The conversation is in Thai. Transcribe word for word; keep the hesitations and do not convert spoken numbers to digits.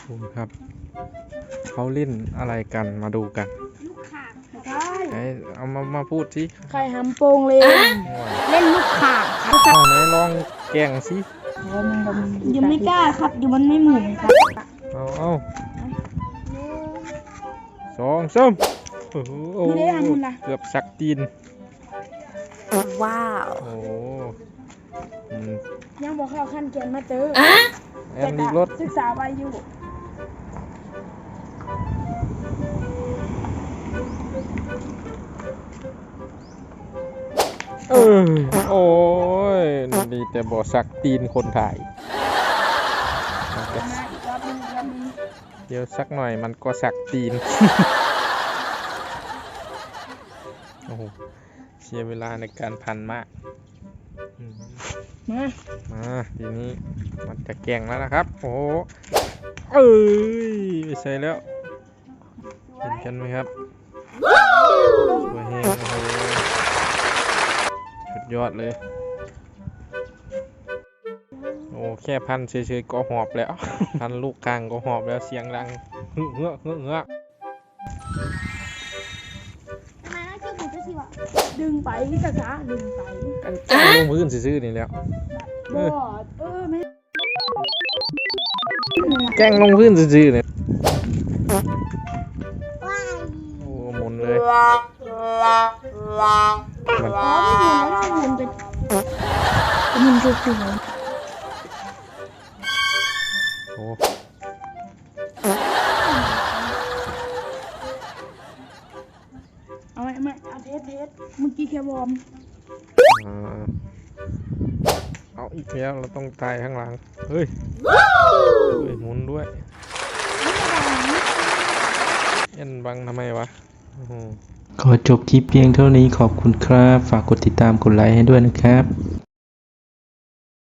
ดูครับเขาเล่นอะไรกันมาดูกันลูกข่างใช่ไอ้เอามามาพูดสิใครหำโปงเลยเล่นลูกข่างครับเอาไหนลองแกล้งสิยังไม่กล้าครับยังมันไม่หมุนครับเอาเอาสองสามโอ้โหเกือบสักตีนว้าวโอ้โหอืมยังบอกเข้าขั้นเกณฑ์มาเจอแอนดีรถศึกษาไว้อยู่เออโอ้ยดีแต่บ่สักตีนคนถ่ายมันก็มาอีกรอบนึงอีกรอบนึงเดี๋ยวสักหน่อยมันก็สักตีน โอ้โหเสียเวลาในการพันมากอืมมามาทีนี้มันจะแกล้งแล้วนะครับ โอ้โหเอ้ยไม่ใช่แล้วเห็นกันไหมครับสวยแห้งโอ้โหสุดยอดเลยโอ้แค่พันเฉยๆก็หอบแล้ว พันลูกกลางก็หอบแล้วเสียงดังเฮ้อเฮ้อเฮ้อเฮ้อมาชื่อหนูจะสิวะดึงไปจ้าจ้าดึงไปกันแกล้งลงพื้นซื่อๆนี่แล้วบอดเออไม่แกล้งลงพื้นซื่อๆเนี่ยโอ้หมุนเลยมันอ๋อไม่หมุนแล้วหมุนเป็นหมุนจุดจุดโอ้เอาไหมไม่เอาเทสเทสเมื่อกี้แค่วอร์มอ่าเอาอีกแล้วเราต้องตายข้างหลังเฮ้ยเฮ้ยหมุนด้วยเอ็นบังทำไมวะโอ้โหขอจบคลิปเพียงเท่านี้ขอบคุณครับ ฝากกดติดตามกดไลค์ให้ด้วยนะครับ